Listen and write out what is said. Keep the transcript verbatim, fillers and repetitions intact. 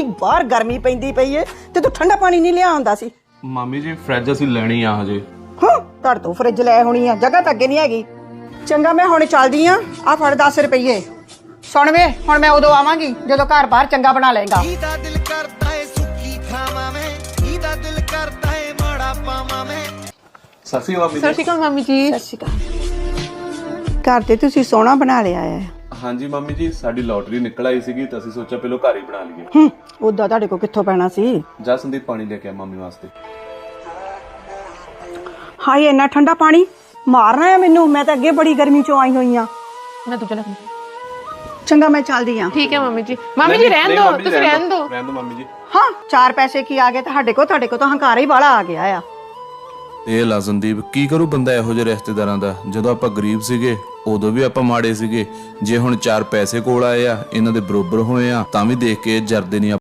ਬਾਹਰ ਗਰਮੀ ਪੈਂਦੀ ਪਈ ਏ ਤੇ ਤੂੰ ਠੰਡਾ ਪਾਣੀ ਨਹੀਂ ਲਿਆ ਆਉਂਦਾ ਸੀ। ਮਾਮੀ ਜੀ ਫ੍ਰਿਜ ਅਸੀਂ ਲੈਣੀ ਆ ਹਜੇ। ਹਾਂ ਧੜ ਤੋਂ ਫਰਿੱਜ ਲੈ ਹੋਣੀ ਆ, ਜਗ੍ਹਾ ਤਾਂ ਅੱਗੇ ਨਹੀਂ ਹੈਗੀ। ਚੰਗਾ ਮੈਂ ਹੁਣ ਚੱਲਦੀ ਆ, ਆ ਫੜ ਦਸ ਰੁਪਈਏ। ਸੁਣ ਵੇ ਹੁਣ ਮੈਂ ਉਦੋਂ ਆਵਾਂਗੀ ਜਦੋਂ ਘਰ ਬਾਹਰ ਚੰਗਾ ਬਣਾ ਲਏਗਾ। ਇਹਦਾ ਦਿਲ ਕਰਦਾ ਏ ਸੁੱਕੀ ਖਾਵਾਂ ਮੈਂ, ਇਹਦਾ ਦਿਲ ਕਰਦਾ ਏ ਮਾੜਾ ਪਾਵਾਂ ਮੈਂ। ਸਤਿ ਸ਼੍ਰੀ ਅਕਾਲ ਮਾਮੀ ਸਤਿ ਸ਼੍ਰੀ ਅਕਾਲ ਮਾਮੀ ਜੀ। ਸਤਿ ਸ਼੍ਰੀ ਅਕਾਲ। ਘਰ ਤੇ ਤੁਸੀਂ ਸੋਹਣਾ ਬਣਾ ਲਿਆ ਹੈ। ਹਾਂਜੀ ਮਾਮੀ ਜੀ, ਸਾਡੀ ਲੋਟਰੀ ਨਿਕਲ ਆਈ ਸੀਗੀ ਤਾਂ ਅਸੀਂ ਸੋਚਿਆ ਪਹਿਲਾਂ ਘਰ ਹੀ ਬਣਾ ਲਈਏ। ਹੂੰ ਉਦਾਂ ਤੁਹਾਡੇ ਕੋਲ ਕਿੱਥੋਂ ਪੈਣਾ ਸੀ। ਜਾ ਸੰਦੀਪ ਪਾਣੀ ਲੈ ਕੇ ਆ ਮਾਮੀ ਵਾਸਤੇ। ਹਾਏ ਇੰਨਾ ਠੰਡਾ ਪਾਣੀ ਮਾਰਨਾ ਹੈ ਮੈਨੂੰ, ਮੈਂ ਤਾਂ ਅੱਗੇ ਬੜੀ ਗਰਮੀ ਚੋਂ ਆਈ ਹੋਈ ਆ। ਮੈਂ ਦੂਜਾ ਲੱਗ ਚੰਗਾ ਮੈਂ ਚੱਲਦੀ ਆ। ਠੀਕ ਹੈ ਮਾਮੀ ਜੀ। ਮਾਮੀ ਜੀ ਰਹਿਣ ਦਿਓ, ਤੁਸੀਂ ਰਹਿਣ ਦਿਓ। ਰਹਿਣ ਦਿਓ ਮਾਮੀ ਜੀ। ਹਾਂ ਚਾਰ ਪੈਸੇ ਕੀ ਆ ਗਏ ਤੁਹਾਡੇ ਕੋਲ, ਤੁਹਾਡੇ ਕੋਲ ਤਾਂ ਹੰਕਾਰਾ ਹੀ ਵਾਲਾ ਆ ਗਿਆ ਆ। ਇਹ ਲਾ ਸੰਦੀਪ, ਕੀ ਕਰੂ ਬੰਦਾ ਇਹੋ ਜਿਹੇ ਰਿਸ਼ਤੇਦਾਰਾਂ ਦਾ। ਜਦੋਂ ਆਪਾਂ ਗਰੀਬ ਸੀਗੇ ਉਦੋਂ ਵੀ ਆਪਾਂ ਮਾੜੇ ਸੀਗੇ, ਜੇ ਹੁਣ ਚਾਰ ਪੈਸੇ ਕੋਲ ਆਏ ਆ ਇਹਨਾਂ ਦੇ ਬਰੋਬਰ ਹੋਏ ਆ ਤਾਂ ਵੀ ਦੇਖ ਕੇ ਜਰਦੇ ਨਹੀਂ।